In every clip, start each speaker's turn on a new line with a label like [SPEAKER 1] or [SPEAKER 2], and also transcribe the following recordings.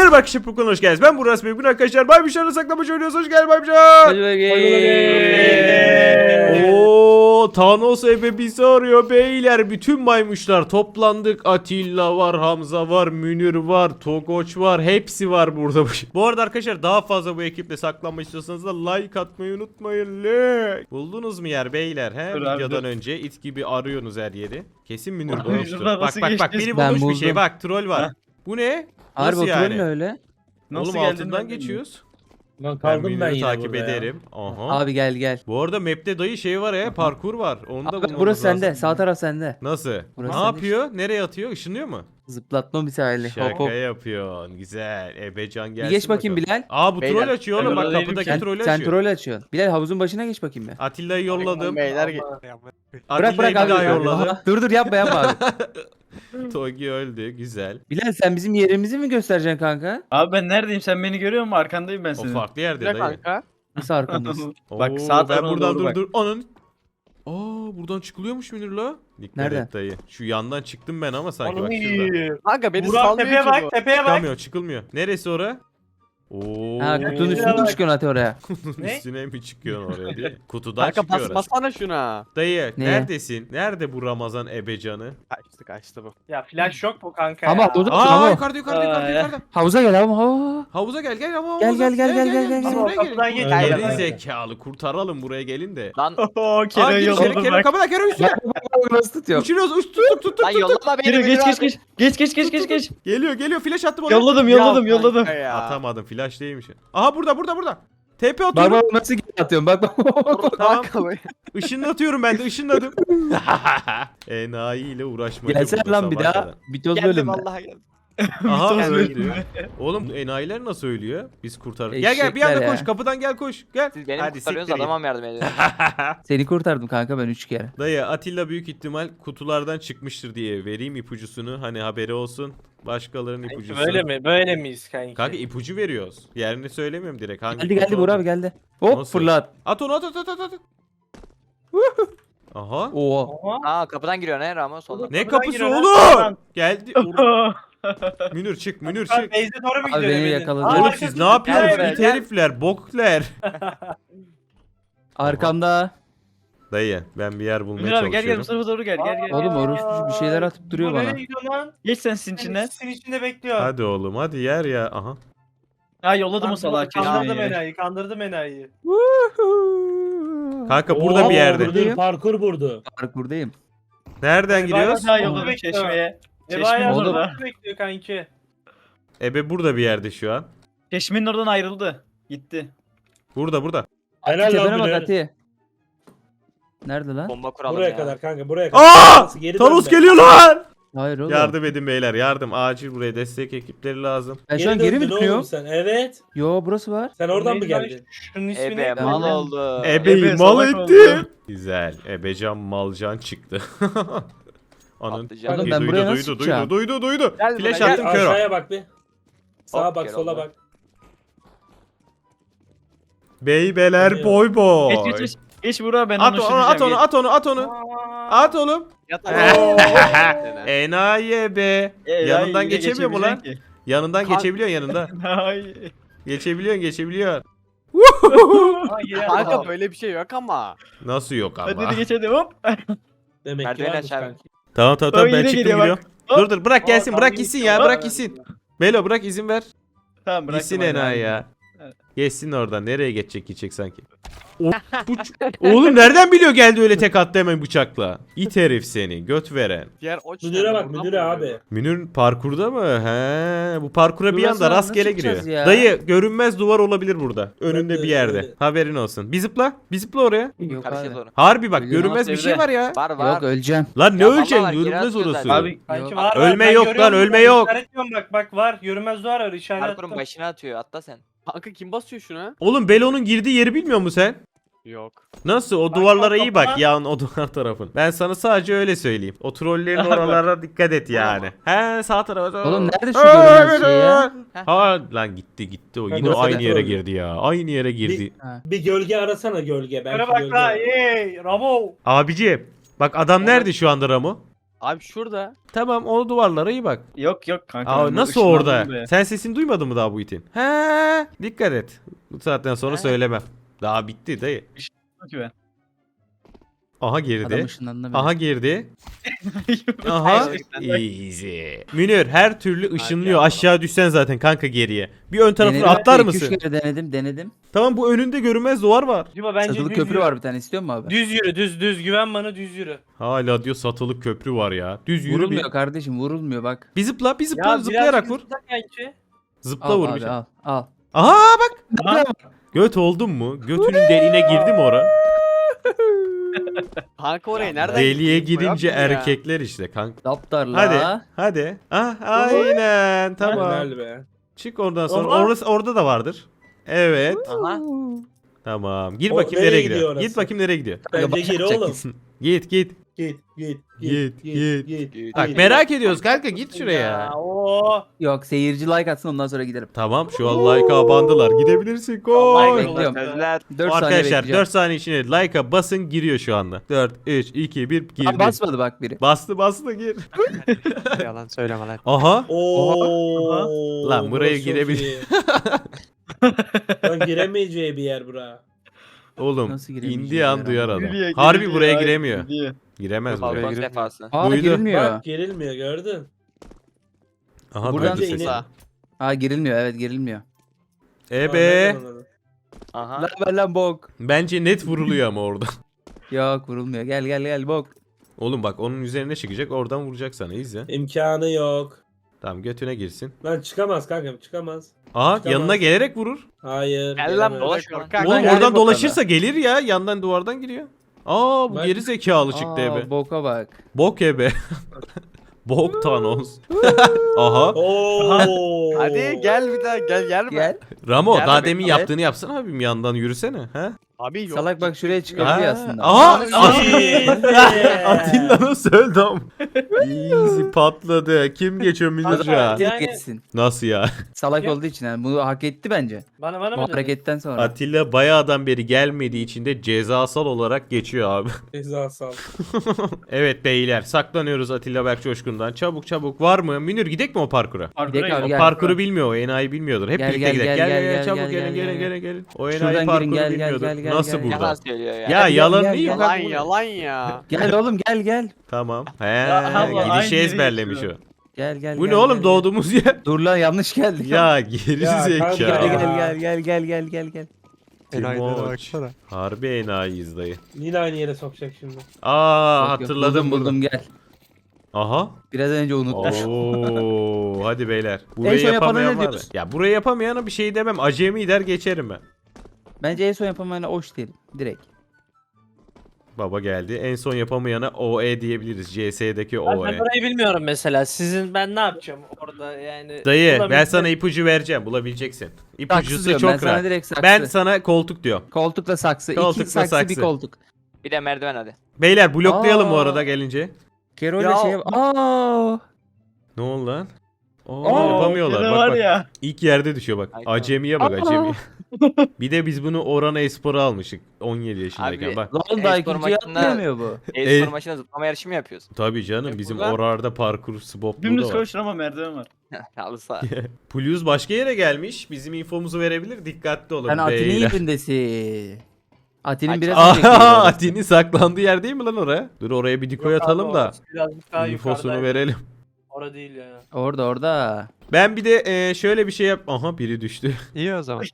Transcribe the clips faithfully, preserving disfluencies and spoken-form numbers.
[SPEAKER 1] Merhaba arkadaşlar, bu kanala hoş geldiniz. Ben Burak Bey. Bugün arkadaşlar Baybuşlar'la saklamaç oynuyoruz. Hoş geldin Baybuşlar. Ooo Thanos ebebisi arıyor beyler. Bütün maymuşlar toplandık. Atilla var, Hamza var, Münir var, Togoç var. Hepsi var burada. Bu arada arkadaşlar daha fazla bu ekiple saklanmak istiyorsanız da like atmayı unutmayın. Like. Buldunuz mu yer beyler? He?
[SPEAKER 2] Dur
[SPEAKER 1] Videodan
[SPEAKER 2] abi, dur.
[SPEAKER 1] önce it gibi arıyorsunuz her yeri. Kesin Münir
[SPEAKER 2] Abi,
[SPEAKER 1] bulmuştur.
[SPEAKER 2] şuradan
[SPEAKER 1] Bak
[SPEAKER 2] nasıl
[SPEAKER 1] bak bak
[SPEAKER 2] geçeceğiz?
[SPEAKER 1] biri
[SPEAKER 3] Ben
[SPEAKER 1] bulmuş bir şey.
[SPEAKER 3] buldum.
[SPEAKER 1] Bak troll var.
[SPEAKER 2] Ha.
[SPEAKER 1] Bu ne?
[SPEAKER 3] Harbi
[SPEAKER 1] Nasıl
[SPEAKER 3] o troll
[SPEAKER 1] yani?
[SPEAKER 3] ne öyle?
[SPEAKER 2] Nasıl
[SPEAKER 1] Oğlum
[SPEAKER 2] geldin
[SPEAKER 1] altından
[SPEAKER 2] ben
[SPEAKER 1] geçiyoruz.
[SPEAKER 4] Lan
[SPEAKER 1] Ben
[SPEAKER 4] kaldım ben,
[SPEAKER 1] Münir'i
[SPEAKER 4] yine
[SPEAKER 1] takip
[SPEAKER 4] burada ya.
[SPEAKER 1] ederim. Aha.
[SPEAKER 3] Abi gel gel.
[SPEAKER 1] Bu arada map'te dayı şey var ya, parkur var. Onu da
[SPEAKER 3] Abi
[SPEAKER 1] bulmamız
[SPEAKER 3] burası
[SPEAKER 1] lazım.
[SPEAKER 3] sende. Sağ taraf sende.
[SPEAKER 1] Nasıl?
[SPEAKER 3] Burası
[SPEAKER 1] ne
[SPEAKER 3] sende
[SPEAKER 1] yapıyor? Nereye atıyor? Işınlıyor mu?
[SPEAKER 3] Zıplatma misali.
[SPEAKER 1] Şaka
[SPEAKER 3] Hop hop.
[SPEAKER 1] yapıyorsun. Güzel. Ebecan gelsin.
[SPEAKER 3] Bir geç bakayım
[SPEAKER 1] bakalım.
[SPEAKER 3] Bilal.
[SPEAKER 1] Aa bu troll
[SPEAKER 5] Beyler,
[SPEAKER 1] açıyor oğlum.
[SPEAKER 2] ben
[SPEAKER 1] Bak
[SPEAKER 2] orada değilim
[SPEAKER 1] kapıdaki
[SPEAKER 2] ki.
[SPEAKER 3] Sen,
[SPEAKER 1] troll
[SPEAKER 3] sen
[SPEAKER 1] açıyor.
[SPEAKER 3] troll açıyorsun. Bilal havuzun başına geç bakayım be.
[SPEAKER 1] Atilla'yı yolladım.
[SPEAKER 5] Beyler
[SPEAKER 3] Bırak
[SPEAKER 1] Atilla'yı
[SPEAKER 3] bırak
[SPEAKER 1] bir
[SPEAKER 3] abi.
[SPEAKER 1] daha yolladım.
[SPEAKER 3] Dur dur yapma yapma abi.
[SPEAKER 1] Togi öldü. Güzel.
[SPEAKER 3] Bilal sen bizim yerimizi mi göstereceksin kanka?
[SPEAKER 2] Abi ben neredeyim? Sen beni görüyor musun? Arkandayım ben
[SPEAKER 1] O
[SPEAKER 2] senin.
[SPEAKER 1] farklı yerde
[SPEAKER 5] Ne
[SPEAKER 1] dayı.
[SPEAKER 5] kanka?
[SPEAKER 3] Nasıl arkandasın?
[SPEAKER 2] Bak
[SPEAKER 1] Oo,
[SPEAKER 2] sağ
[SPEAKER 1] ben
[SPEAKER 2] tarafa
[SPEAKER 1] buradan
[SPEAKER 2] doğru
[SPEAKER 1] dur
[SPEAKER 2] bak.
[SPEAKER 1] dur. Ananı. Aa buradan çıkılıyormuş Münir la. Dikkat
[SPEAKER 3] Nereden?
[SPEAKER 1] et dayı. Şu yandan çıktım ben ama sanki bak şurada.
[SPEAKER 5] Kanka beni
[SPEAKER 6] Burak
[SPEAKER 5] sallıyor
[SPEAKER 6] tepeye
[SPEAKER 5] ki bu.
[SPEAKER 6] bak, tepeye bak.
[SPEAKER 1] Çıkamıyor, çıkılmıyor. Neresi ora? Oo.
[SPEAKER 3] Ha kutunun üstüne mi çıkıyorsun Ati oraya?
[SPEAKER 6] Ne?
[SPEAKER 1] Üstüne mi çıkıyorsun oraya diye. Kutudan
[SPEAKER 5] Kanka
[SPEAKER 1] çıkıyor orası.
[SPEAKER 5] basmasana şuna.
[SPEAKER 1] Dayı
[SPEAKER 3] Ne?
[SPEAKER 1] neredesin? Nerede bu Ramazan ebecanı?
[SPEAKER 5] Kaçtı kaçtı bu.
[SPEAKER 6] Ya flash yok bu kanka
[SPEAKER 3] Ama
[SPEAKER 6] ya.
[SPEAKER 3] havuza,
[SPEAKER 1] Aa
[SPEAKER 3] ama.
[SPEAKER 1] yukarıda yukarıda yukarıda
[SPEAKER 2] Aa,
[SPEAKER 1] yukarıda.
[SPEAKER 3] Havuza gel ama. Ha.
[SPEAKER 1] Havuza gel gel ama
[SPEAKER 3] Gel,
[SPEAKER 1] havuza.
[SPEAKER 3] gel, gel, gel, gel, gel,
[SPEAKER 1] Bizim
[SPEAKER 6] gel.
[SPEAKER 1] buraya
[SPEAKER 6] Kapıdan
[SPEAKER 1] gelin.
[SPEAKER 6] geç,
[SPEAKER 1] Geri
[SPEAKER 5] kapıdan
[SPEAKER 1] zekalı kurtaralım buraya gelin de.
[SPEAKER 5] Lan
[SPEAKER 2] Oo
[SPEAKER 1] Aa
[SPEAKER 2] Kerem
[SPEAKER 1] gir içeri
[SPEAKER 2] yolladım
[SPEAKER 1] Kerem
[SPEAKER 2] bak.
[SPEAKER 1] kapıda Kerem üstüne.
[SPEAKER 3] Nasıl tutuyor?
[SPEAKER 1] Uçuruyoruz üst tut tut tut
[SPEAKER 5] lan
[SPEAKER 1] tut.
[SPEAKER 5] yollama beni.
[SPEAKER 2] Kerem geç
[SPEAKER 5] beni
[SPEAKER 2] geç geç. Geç geç geç geç geç.
[SPEAKER 1] Geliyor geliyor flash attım ona.
[SPEAKER 2] Yolladım
[SPEAKER 5] Ya
[SPEAKER 2] yolladım
[SPEAKER 5] kanka
[SPEAKER 2] yolladım.
[SPEAKER 5] ya.
[SPEAKER 1] Atamadım flash değilmiş. Aha burada burada burada. T P
[SPEAKER 3] Bak
[SPEAKER 1] atıyorum.
[SPEAKER 3] bak nasıl geri atıyorum bak bak.
[SPEAKER 1] Tamam.
[SPEAKER 5] Kanka be.
[SPEAKER 1] Işınlatıyorum ben de ışınladım. Enayi ile uğraşmak.
[SPEAKER 3] Gelsene lan bir daha. Bitoz
[SPEAKER 5] Geldim
[SPEAKER 3] bölüm.
[SPEAKER 5] vallahi geldim.
[SPEAKER 1] Aha
[SPEAKER 2] Bitoz
[SPEAKER 1] öldü. Oğlum enayiler nasıl ölüyor? Biz kurtar. Gel gel bir
[SPEAKER 3] Eşekler
[SPEAKER 1] anda
[SPEAKER 3] ya.
[SPEAKER 1] koş kapıdan gel koş. Gel.
[SPEAKER 5] Siz beni
[SPEAKER 1] Hadi
[SPEAKER 5] kurtarıyorsunuz
[SPEAKER 1] siktir git.
[SPEAKER 5] adama yardım ediyorsunuz.
[SPEAKER 3] Seni kurtardım kanka ben üç kere.
[SPEAKER 1] Dayı Atilla büyük ihtimal kutulardan çıkmıştır diye vereyim ipucusunu. Hani haberi olsun. Başkalarının ipucusu.
[SPEAKER 6] Böyle mi? Böyle miyiz kanka?
[SPEAKER 1] Kanka ipucu veriyoruz. Yerini söylemiyorum direkt. Hangi
[SPEAKER 3] Geldi geldi
[SPEAKER 1] kutu
[SPEAKER 3] Burak abi
[SPEAKER 1] olduğunu.
[SPEAKER 3] geldi. Hop
[SPEAKER 1] Nasıl?
[SPEAKER 3] fırlat.
[SPEAKER 1] At onu at at at at. at. Aha.
[SPEAKER 3] Oo.
[SPEAKER 6] Oha.
[SPEAKER 5] Aa kapıdan giriyor ne Ramo solda.
[SPEAKER 1] Ne
[SPEAKER 6] Kapıdan
[SPEAKER 1] kapısı
[SPEAKER 6] giriyor lan,
[SPEAKER 1] oğlum?
[SPEAKER 6] kapıdan.
[SPEAKER 1] Geldi. Münir çık Münir
[SPEAKER 6] Sen
[SPEAKER 1] çık.
[SPEAKER 6] base'e doğru mu
[SPEAKER 3] Abi
[SPEAKER 6] gidiyorsun?
[SPEAKER 3] beni
[SPEAKER 6] Ebe'nin?
[SPEAKER 3] yakaladı.
[SPEAKER 6] Aa,
[SPEAKER 1] Oğlum
[SPEAKER 6] arkası
[SPEAKER 1] siz ne
[SPEAKER 6] tutuyor.
[SPEAKER 1] yapıyorsunuz?
[SPEAKER 5] Gel,
[SPEAKER 1] İt
[SPEAKER 5] gel.
[SPEAKER 1] herifler, bokler.
[SPEAKER 3] Arkamda.
[SPEAKER 1] Dayı ben bir yer bulmaya
[SPEAKER 2] Münir abi gel gel bu
[SPEAKER 1] çalışıyorum.
[SPEAKER 2] tarafa doğru gel gel gel.
[SPEAKER 3] Oğlum orospu bir şeyler atıp duruyor
[SPEAKER 6] Bu
[SPEAKER 3] bana.
[SPEAKER 6] nereye gidiyor lan?
[SPEAKER 2] Geç sen sizin içinden.
[SPEAKER 6] Sizin içinde bekliyor.
[SPEAKER 1] Hadi oğlum hadi yer ya. Aha.
[SPEAKER 2] Ha yolladım o salağı
[SPEAKER 6] Kandırdım
[SPEAKER 2] keşmeyi.
[SPEAKER 6] enayi, kandırdım enayi.
[SPEAKER 1] Kanka burada
[SPEAKER 4] Oo,
[SPEAKER 1] bir yerde.
[SPEAKER 4] Vurdu, parkur vurdu.
[SPEAKER 3] Parkurdayım.
[SPEAKER 1] Nereden giriyoruz?
[SPEAKER 2] Ha
[SPEAKER 6] Onu
[SPEAKER 2] yolladım
[SPEAKER 6] bekliyor.
[SPEAKER 2] çeşmeye.
[SPEAKER 6] Ebe
[SPEAKER 2] Çeşmenin
[SPEAKER 6] hala
[SPEAKER 3] Oğlum.
[SPEAKER 2] orada.
[SPEAKER 6] orada bekliyor kanki.
[SPEAKER 1] Ebe burada bir yerde şu an.
[SPEAKER 2] Çeşmenin oradan ayrıldı. Gitti.
[SPEAKER 1] Burada burada.
[SPEAKER 4] Aynen lan
[SPEAKER 3] Tepene bak
[SPEAKER 4] Münir.
[SPEAKER 3] Ati. Nerede lan?
[SPEAKER 5] Bomba kuralım
[SPEAKER 4] Buraya
[SPEAKER 5] ya.
[SPEAKER 4] kadar kanka buraya kadar.
[SPEAKER 1] Aa!
[SPEAKER 4] Nasıl, geri
[SPEAKER 1] Thanos
[SPEAKER 4] dönme.
[SPEAKER 1] geliyor lan.
[SPEAKER 3] Hayır oğlum.
[SPEAKER 1] Yardım edin beyler yardım. Acil buraya destek ekipleri lazım.
[SPEAKER 3] Ben şu an geri mi
[SPEAKER 4] döndün oğlum
[SPEAKER 3] dönüyorum?
[SPEAKER 4] sen? Evet.
[SPEAKER 3] Yo burası var.
[SPEAKER 4] Sen oradan mı
[SPEAKER 6] Neydi lan?
[SPEAKER 4] geldin?
[SPEAKER 6] Şunun ismi
[SPEAKER 5] Ebe
[SPEAKER 6] ne?
[SPEAKER 5] mal
[SPEAKER 3] Ben-
[SPEAKER 5] oldu.
[SPEAKER 1] Ebe'yi
[SPEAKER 2] Ebe
[SPEAKER 1] mal
[SPEAKER 2] salak
[SPEAKER 1] ettim.
[SPEAKER 2] oldu.
[SPEAKER 1] Güzel. Ebecan malcan çıktı. Anın.
[SPEAKER 5] Patlayacağım.
[SPEAKER 3] Oğlum ben
[SPEAKER 1] duydu,
[SPEAKER 3] buraya nasıl
[SPEAKER 1] duydu,
[SPEAKER 3] çıkacağım?
[SPEAKER 1] duydu, duydu, duydu.
[SPEAKER 5] Gel
[SPEAKER 1] Flash
[SPEAKER 5] buraya,
[SPEAKER 1] attım
[SPEAKER 5] gel.
[SPEAKER 1] kör o.
[SPEAKER 4] Aşağıya bak bir. Sağa
[SPEAKER 5] Hop,
[SPEAKER 4] bak
[SPEAKER 5] gel
[SPEAKER 4] sola
[SPEAKER 5] oldu.
[SPEAKER 4] bak.
[SPEAKER 1] Beybeler boy boy.
[SPEAKER 2] Geç geç geç. Geç Burak ben
[SPEAKER 1] At
[SPEAKER 2] onu
[SPEAKER 1] onu, at onu,
[SPEAKER 2] geç.
[SPEAKER 1] at onu, at onu. At oğlum.
[SPEAKER 5] Yat
[SPEAKER 1] Enayi be.
[SPEAKER 2] Ee,
[SPEAKER 1] Yanından
[SPEAKER 2] yine
[SPEAKER 1] geçemiyor mu lan?
[SPEAKER 2] geçebileceksin ki.
[SPEAKER 1] Yanından
[SPEAKER 5] Kan-
[SPEAKER 1] geçebiliyorsun yanında.
[SPEAKER 2] Hayır.
[SPEAKER 1] Geçebiliyorsun, geçebiliyorsun.
[SPEAKER 6] Aa, yine-
[SPEAKER 5] Kanka böyle bir şey yok ama.
[SPEAKER 1] Nasıl yok
[SPEAKER 2] Hadi
[SPEAKER 1] ama.
[SPEAKER 2] hadi geç hadi hop.
[SPEAKER 4] Demek ki
[SPEAKER 5] Merdiven
[SPEAKER 4] varmış
[SPEAKER 5] aşağı.
[SPEAKER 4] kanki.
[SPEAKER 1] Tamam tamam tamam
[SPEAKER 2] Aa,
[SPEAKER 1] ben
[SPEAKER 2] yine
[SPEAKER 1] çıktım
[SPEAKER 2] geliyor bak.
[SPEAKER 1] gidiyorum.
[SPEAKER 2] Hop.
[SPEAKER 1] Dur dur bırak gelsin
[SPEAKER 6] Aa,
[SPEAKER 1] bırak
[SPEAKER 6] tamam,
[SPEAKER 1] gitsin
[SPEAKER 6] gidiyor.
[SPEAKER 1] ya bırak
[SPEAKER 6] Aa,
[SPEAKER 1] gitsin. Melo bırak izin ver.
[SPEAKER 2] Tamam bıraktım.
[SPEAKER 1] Gitsin
[SPEAKER 2] hadi.
[SPEAKER 1] enayi ya.
[SPEAKER 2] Evet.
[SPEAKER 1] Geçsin oradan. Nereye geçecek gidecek sanki. O, bu ç- Oğlum nereden biliyor geldi öyle tek attı hemen bıçakla. İt herif seni göt veren.
[SPEAKER 5] Diğer oç.
[SPEAKER 4] Müdüre bak
[SPEAKER 5] Buradan
[SPEAKER 4] müdüre
[SPEAKER 5] mı
[SPEAKER 4] abi.
[SPEAKER 5] vuruyor?
[SPEAKER 1] Münir parkurda mı? He, bu parkura bir
[SPEAKER 3] Burası
[SPEAKER 1] anda
[SPEAKER 3] nasıl
[SPEAKER 1] rastgele giriyor.
[SPEAKER 3] çıkacağız ya?
[SPEAKER 1] Dayı görünmez duvar olabilir burada. Önünde
[SPEAKER 4] Evet,
[SPEAKER 1] bir yerde.
[SPEAKER 4] evet.
[SPEAKER 1] Haberin olsun. Bir zıpla. Bir zıpla oraya.
[SPEAKER 3] Yok
[SPEAKER 5] Karşıya
[SPEAKER 3] abi.
[SPEAKER 5] doğru.
[SPEAKER 1] Harbi bak
[SPEAKER 3] Öyle
[SPEAKER 1] görünmez bir
[SPEAKER 2] olmaz
[SPEAKER 1] şey
[SPEAKER 2] evde.
[SPEAKER 1] var ya.
[SPEAKER 5] Var var.
[SPEAKER 3] Yok öleceğim.
[SPEAKER 1] Lan ne
[SPEAKER 5] Ya vallahi
[SPEAKER 1] öleceksin?
[SPEAKER 5] var, geri
[SPEAKER 1] Görünmez
[SPEAKER 5] atıyor
[SPEAKER 1] orası.
[SPEAKER 5] zaten.
[SPEAKER 2] Abi
[SPEAKER 6] Kanki
[SPEAKER 3] Yok.
[SPEAKER 6] var var.
[SPEAKER 1] Ölme
[SPEAKER 6] ben
[SPEAKER 1] yok
[SPEAKER 6] görüyorum,
[SPEAKER 1] lan, ölme
[SPEAKER 6] ben
[SPEAKER 1] yok.
[SPEAKER 6] işaretliyorum bak bak var. Yürümez duvar var işaret
[SPEAKER 5] Parkurun
[SPEAKER 6] attım.
[SPEAKER 5] başına atıyor atla sen.
[SPEAKER 7] Kanka kim basıyor şuna?
[SPEAKER 1] Oğlum Belo'nun girdiği yeri bilmiyor musun sen?
[SPEAKER 7] Yok.
[SPEAKER 1] Nasıl? O
[SPEAKER 6] Bak,
[SPEAKER 1] duvarlara
[SPEAKER 6] bak,
[SPEAKER 1] iyi
[SPEAKER 6] bak.
[SPEAKER 1] bak yan o duvar tarafın. Ben sana sadece öyle söyleyeyim. O trollerin oralara dikkat et yani. He sağ tarafa.
[SPEAKER 3] Oğlum nerede şu
[SPEAKER 1] Aa,
[SPEAKER 3] görünmez
[SPEAKER 1] evet,
[SPEAKER 3] şey ya?
[SPEAKER 1] evet. Ha lan gitti gitti o.
[SPEAKER 4] Ben
[SPEAKER 1] Yine
[SPEAKER 4] mesela
[SPEAKER 1] aynı yere
[SPEAKER 4] troll.
[SPEAKER 1] girdi ya. Aynı yere girdi.
[SPEAKER 4] Bir gölge arasana gölge. Belki
[SPEAKER 6] Şöyle bak
[SPEAKER 4] gölge
[SPEAKER 6] la
[SPEAKER 4] var.
[SPEAKER 6] ey Ramo.
[SPEAKER 1] Abici bak adam nerede şu anda Ramo?
[SPEAKER 5] Abi şurada.
[SPEAKER 1] Tamam o duvarlara iyi bak.
[SPEAKER 2] Yok yok kanka.
[SPEAKER 1] Aa,
[SPEAKER 2] ben
[SPEAKER 1] nasıl
[SPEAKER 2] ışınlandım
[SPEAKER 1] orada?
[SPEAKER 2] buraya.
[SPEAKER 1] Sen sesini duymadın mı daha bu itin? He, dikkat et. Bu saatten sonra
[SPEAKER 5] He.
[SPEAKER 1] söylemem. Daha bitti dayı.
[SPEAKER 2] Yok ki ben.
[SPEAKER 1] Aha
[SPEAKER 3] Adam
[SPEAKER 1] girdi.
[SPEAKER 3] ışınlandı bile.
[SPEAKER 1] Aha girdi. Aha. Easy. Münir her türlü ışınlıyor.
[SPEAKER 5] yapma.
[SPEAKER 1] Aşağı düşsen zaten kanka geriye. Bir ön tarafına
[SPEAKER 3] Denedim,
[SPEAKER 1] atlar
[SPEAKER 3] iki,
[SPEAKER 1] mısın?
[SPEAKER 3] Üç kere denedim denedim.
[SPEAKER 1] Tamam bu önünde görünmez duvar var.
[SPEAKER 6] Cibo bence
[SPEAKER 3] Satılık
[SPEAKER 6] düz
[SPEAKER 3] köprü
[SPEAKER 6] yürü.
[SPEAKER 3] var bir tane, istiyor musun abi?
[SPEAKER 6] Düz yürü düz düz güven bana düz yürü.
[SPEAKER 1] Hala diyor satılık köprü var ya. Düz yürü
[SPEAKER 3] Vurulmuyor
[SPEAKER 1] bir.
[SPEAKER 3] kardeşim, vurulmuyor bak.
[SPEAKER 1] Bir zıpla bir zıpla
[SPEAKER 6] Ya
[SPEAKER 1] zıplayarak
[SPEAKER 6] birazcık
[SPEAKER 1] vur.
[SPEAKER 6] ıslak kanki.
[SPEAKER 1] Zıpla
[SPEAKER 3] Al
[SPEAKER 1] vur bir
[SPEAKER 3] abi
[SPEAKER 1] şey.
[SPEAKER 3] al al.
[SPEAKER 1] Aha bak.
[SPEAKER 2] Aha.
[SPEAKER 1] Göt oldun mu? Götünün deliğine girdi mi ora?
[SPEAKER 5] Kanka oraya nereden
[SPEAKER 1] Deliğe
[SPEAKER 5] gittin?
[SPEAKER 1] girince
[SPEAKER 5] Koyar mı ya?
[SPEAKER 1] erkekler işte kanka.
[SPEAKER 3] Daptarla.
[SPEAKER 1] Hadi. Hadi. Ah aynen. Tamam.
[SPEAKER 4] Helal be.
[SPEAKER 1] Çık oradan sonra.
[SPEAKER 6] Oha.
[SPEAKER 1] Orası orada da vardır. Evet.
[SPEAKER 5] Aha.
[SPEAKER 1] Tamam. Gir
[SPEAKER 4] O
[SPEAKER 1] bakayım
[SPEAKER 4] nereye
[SPEAKER 1] nereye
[SPEAKER 4] gidiyor
[SPEAKER 1] gidiyor.
[SPEAKER 4] orası?
[SPEAKER 1] Git bakayım nereye gidiyor.
[SPEAKER 4] Bence
[SPEAKER 3] başa
[SPEAKER 4] gir
[SPEAKER 3] atacak
[SPEAKER 4] oğlum.
[SPEAKER 3] gitsin.
[SPEAKER 1] Git git.
[SPEAKER 4] Git git
[SPEAKER 1] Git,
[SPEAKER 4] git
[SPEAKER 1] git.
[SPEAKER 4] git.
[SPEAKER 1] Bak
[SPEAKER 4] git.
[SPEAKER 1] merak ediyoruz kanka git şuraya.
[SPEAKER 6] Ya, oo.
[SPEAKER 3] Yok, seyirci like atsın ondan sonra giderim.
[SPEAKER 1] Tamam şu an like'a bandılar. Gidebilirsin.
[SPEAKER 6] Like
[SPEAKER 1] Koy.
[SPEAKER 3] Bekliyorum.
[SPEAKER 5] Sözler.
[SPEAKER 3] dört saniye
[SPEAKER 1] Arkadaşlar
[SPEAKER 3] bekleyeceğim.
[SPEAKER 1] dört saniye içinde like'a basın giriyor şu anda. dört, üç, iki, bir girdi.
[SPEAKER 3] Aa, basmadı bak biri.
[SPEAKER 1] Bastı bastı gir.
[SPEAKER 5] Yalan söyleme lan.
[SPEAKER 1] Aha.
[SPEAKER 4] Oo.
[SPEAKER 1] Lan buraya
[SPEAKER 4] burası çok
[SPEAKER 1] girebil-
[SPEAKER 4] iyi. Lan giremeyeceği bir yer bura.
[SPEAKER 1] Oğlum
[SPEAKER 3] Nasıl giremeyeceğiz
[SPEAKER 1] indiği an
[SPEAKER 3] ya?
[SPEAKER 1] duyar adam.
[SPEAKER 2] Giriliyor,
[SPEAKER 1] Harbi
[SPEAKER 2] giriliyor,
[SPEAKER 1] buraya
[SPEAKER 2] ay,
[SPEAKER 1] giremiyor.
[SPEAKER 2] giriliyor.
[SPEAKER 1] Giremez buraya.
[SPEAKER 5] Balkon
[SPEAKER 2] giremiyor.
[SPEAKER 5] sefası.
[SPEAKER 3] Aa,
[SPEAKER 1] Duydu.
[SPEAKER 3] girilmiyor.
[SPEAKER 4] Bak girilmiyor gördün.
[SPEAKER 1] Aha
[SPEAKER 3] Buradan
[SPEAKER 1] duydu
[SPEAKER 4] da
[SPEAKER 1] sesi.
[SPEAKER 4] inin.
[SPEAKER 3] Aa, girilmiyor, evet girilmiyor.
[SPEAKER 1] E
[SPEAKER 4] Aa,
[SPEAKER 1] be.
[SPEAKER 4] nereden anladın?
[SPEAKER 5] Aha.
[SPEAKER 3] Lan ver lan bok.
[SPEAKER 1] Bence net vuruluyor ama orada.
[SPEAKER 3] Yok, vurulmuyor. Gel gel gel bok.
[SPEAKER 1] Oğlum bak onun üzerine çıkacak oradan vuracak sana izle.
[SPEAKER 4] İmkanı yok.
[SPEAKER 1] Tamam götüne girsin.
[SPEAKER 4] Lan çıkamaz kankam çıkamaz.
[SPEAKER 1] Aha
[SPEAKER 4] Çıkamaz.
[SPEAKER 1] yanına gelerek vurur.
[SPEAKER 4] Hayır.
[SPEAKER 5] Gel lan
[SPEAKER 4] gelemez.
[SPEAKER 5] dolaş lan.
[SPEAKER 3] Kanka,
[SPEAKER 1] Oğlum
[SPEAKER 3] gel
[SPEAKER 1] oradan
[SPEAKER 3] bakalım.
[SPEAKER 1] dolaşırsa gelir ya. Yandan duvardan giriyor. Aa bu
[SPEAKER 4] Bak.
[SPEAKER 1] geri zekalı çıktı ebe.
[SPEAKER 3] Aa, boka bak.
[SPEAKER 1] Bok ebe. Bok Thanos. Aha.
[SPEAKER 4] Oo.
[SPEAKER 5] Hadi gel bir daha gel gelme.
[SPEAKER 3] Gel.
[SPEAKER 1] Ramo
[SPEAKER 5] Gel
[SPEAKER 1] daha
[SPEAKER 5] be,
[SPEAKER 1] demin
[SPEAKER 3] gel.
[SPEAKER 1] yaptığını yapsana abim yandan yürüsene. Ha?
[SPEAKER 5] Abi yok.
[SPEAKER 3] Salak bak şuraya
[SPEAKER 1] Ha.
[SPEAKER 3] çıkabiliyor aslında.
[SPEAKER 1] Aha.
[SPEAKER 4] Ay.
[SPEAKER 1] Atilla nasıl öldü ama? Easy patladı. Kim geçiyor Münirca?
[SPEAKER 6] Yani-
[SPEAKER 3] Yani... geçsin.
[SPEAKER 1] Nasıl ya?
[SPEAKER 3] Salak
[SPEAKER 6] Yok.
[SPEAKER 3] olduğu için yani bunu hak etti bence.
[SPEAKER 6] Bana bana
[SPEAKER 3] Bu
[SPEAKER 6] mı dedin?
[SPEAKER 3] hareketten sonra.
[SPEAKER 1] Atilla bayağıdan beri gelmediği için de cezasal olarak geçiyor abi.
[SPEAKER 4] Cezasal.
[SPEAKER 1] Evet beyler saklanıyoruz Atilla Berkcoşkun'dan. Çabuk çabuk var mı? Münir gidek mi o parkura?
[SPEAKER 2] Parkura
[SPEAKER 3] Gidelim abi,
[SPEAKER 1] O
[SPEAKER 2] gel.
[SPEAKER 3] gel.
[SPEAKER 1] parkuru bilmiyor, o enayi bilmiyordur. Hep
[SPEAKER 3] Gel,
[SPEAKER 1] birlikte
[SPEAKER 3] gel,
[SPEAKER 1] gidelim.
[SPEAKER 3] gel,
[SPEAKER 1] Gel,
[SPEAKER 3] gel,
[SPEAKER 1] gel,
[SPEAKER 3] gel,
[SPEAKER 1] çabuk
[SPEAKER 3] gel,
[SPEAKER 1] gelin,
[SPEAKER 3] gel,
[SPEAKER 1] gelin,
[SPEAKER 3] gel.
[SPEAKER 1] gelin, gelin. O
[SPEAKER 3] Şuradan
[SPEAKER 1] enayi
[SPEAKER 3] girin,
[SPEAKER 1] parkuru
[SPEAKER 3] gel, gel,
[SPEAKER 1] bilmiyordur.
[SPEAKER 3] gel, gel,
[SPEAKER 1] Nasıl
[SPEAKER 3] gel.
[SPEAKER 1] burada?
[SPEAKER 5] Yalan söylüyor ya.
[SPEAKER 1] Ya
[SPEAKER 3] Hadi
[SPEAKER 1] yalan
[SPEAKER 3] gel,
[SPEAKER 1] değil
[SPEAKER 3] gel,
[SPEAKER 1] kanka
[SPEAKER 5] Yalan
[SPEAKER 1] bu.
[SPEAKER 5] yalan ya.
[SPEAKER 3] Gel oğlum gel gel.
[SPEAKER 1] Tamam. He,
[SPEAKER 2] abla, aynı
[SPEAKER 1] gidişi
[SPEAKER 2] yere
[SPEAKER 1] ezberlemiş o.
[SPEAKER 2] geçiyor.
[SPEAKER 3] Gel gel
[SPEAKER 1] Bu
[SPEAKER 3] gel,
[SPEAKER 1] ne oğlum
[SPEAKER 3] gel,
[SPEAKER 1] doğduğumuz yer?
[SPEAKER 3] gel. Dur lan yanlış geldi.
[SPEAKER 1] Ya geri
[SPEAKER 4] Ya
[SPEAKER 1] zeka.
[SPEAKER 4] kanka
[SPEAKER 3] Gel
[SPEAKER 4] ya.
[SPEAKER 3] gel gel gel gel gel gel gel.
[SPEAKER 1] Timoç. Harbi enayiyiz dayı.
[SPEAKER 4] Yine aynı yere sokacak şimdi.
[SPEAKER 1] Aa
[SPEAKER 3] Yok, yok,
[SPEAKER 1] hatırladım
[SPEAKER 3] buldum,
[SPEAKER 1] bunu.
[SPEAKER 3] buldum gel.
[SPEAKER 1] Aha.
[SPEAKER 3] Biraz önce unutmuşum.
[SPEAKER 1] Oo, hadi beyler. Burayı
[SPEAKER 3] son yapana
[SPEAKER 1] yapamayan
[SPEAKER 3] ne
[SPEAKER 1] var.
[SPEAKER 3] diyorsun?
[SPEAKER 1] Ya burayı yapamayana bir şey demem. Acemi der geçerim ben.
[SPEAKER 3] Bence en son yapamayana hoş değil. Direkt.
[SPEAKER 1] Baba geldi. En son yapamayana O E diyebiliriz. C S'deki
[SPEAKER 6] Ben,
[SPEAKER 1] O
[SPEAKER 6] ben
[SPEAKER 1] E.
[SPEAKER 6] orayı bilmiyorum mesela. Sizin ben ne yapacağım orada yani.
[SPEAKER 1] Dayı ben
[SPEAKER 6] Bulabildim.
[SPEAKER 1] sana ipucu vereceğim. Bulabileceksin.
[SPEAKER 3] Saksı
[SPEAKER 1] İpucusu
[SPEAKER 3] diyorum ben
[SPEAKER 1] çok
[SPEAKER 3] sana
[SPEAKER 1] rahat.
[SPEAKER 3] direkt saksı.
[SPEAKER 1] Ben sana koltuk diyor.
[SPEAKER 3] Koltukla saksı.
[SPEAKER 1] Koltukla
[SPEAKER 3] İki saksı,
[SPEAKER 1] saksı.
[SPEAKER 3] bir koltuk.
[SPEAKER 5] Bir de merdiven hadi.
[SPEAKER 1] Beyler bloklayalım bu
[SPEAKER 3] Aa.
[SPEAKER 1] arada gelince.
[SPEAKER 3] Kero'yla
[SPEAKER 2] Ya,
[SPEAKER 3] şey yap. Aa!
[SPEAKER 1] Ne oldu lan? Aa,
[SPEAKER 3] Aa,
[SPEAKER 1] yapamıyorlar.
[SPEAKER 2] gene
[SPEAKER 1] Bak
[SPEAKER 2] var
[SPEAKER 1] bak.
[SPEAKER 2] ya.
[SPEAKER 1] İlk yerde düşüyor bak.
[SPEAKER 5] Ay,
[SPEAKER 1] Acemiye bak
[SPEAKER 3] Aa.
[SPEAKER 1] acemi. Bir de biz bunu Orana Espor'a almıştık. on yedi yaşındayken
[SPEAKER 5] Abi,
[SPEAKER 1] bak.
[SPEAKER 3] Lan daha
[SPEAKER 5] E-spor
[SPEAKER 3] ikinciye
[SPEAKER 5] maçında-
[SPEAKER 3] atlayamıyor bu.
[SPEAKER 1] E-
[SPEAKER 5] E-spor maçında zıplama yarışı mı yapıyorsun?
[SPEAKER 1] Tabii canım bizim
[SPEAKER 5] burada-
[SPEAKER 1] Orar'da parkur spotluğu
[SPEAKER 2] Dümdüz
[SPEAKER 1] da var.
[SPEAKER 2] koşun ama merdiven var.
[SPEAKER 5] Alırsa.
[SPEAKER 1] Puluz başka yere gelmiş. Bizim infomuzu verebilir. Dikkatli olun
[SPEAKER 3] Sen Atin'in
[SPEAKER 1] beyler.
[SPEAKER 3] yerindesi. Atin'in
[SPEAKER 5] Aç-
[SPEAKER 3] biraz
[SPEAKER 1] Aha,
[SPEAKER 3] önceki yeri.
[SPEAKER 1] Atin'in saklandığı yer değil mi lan oraya? Dur oraya bir dikoy
[SPEAKER 6] Yok abi,
[SPEAKER 1] atalım da
[SPEAKER 6] orası birazcık daha
[SPEAKER 1] infosunu
[SPEAKER 6] yukarıdaydı.
[SPEAKER 1] verelim.
[SPEAKER 6] Orada değil ya.
[SPEAKER 3] Orada orada.
[SPEAKER 1] Ben bir de e, şöyle bir şey yap. Aha biri düştü.
[SPEAKER 7] İyi o zaman.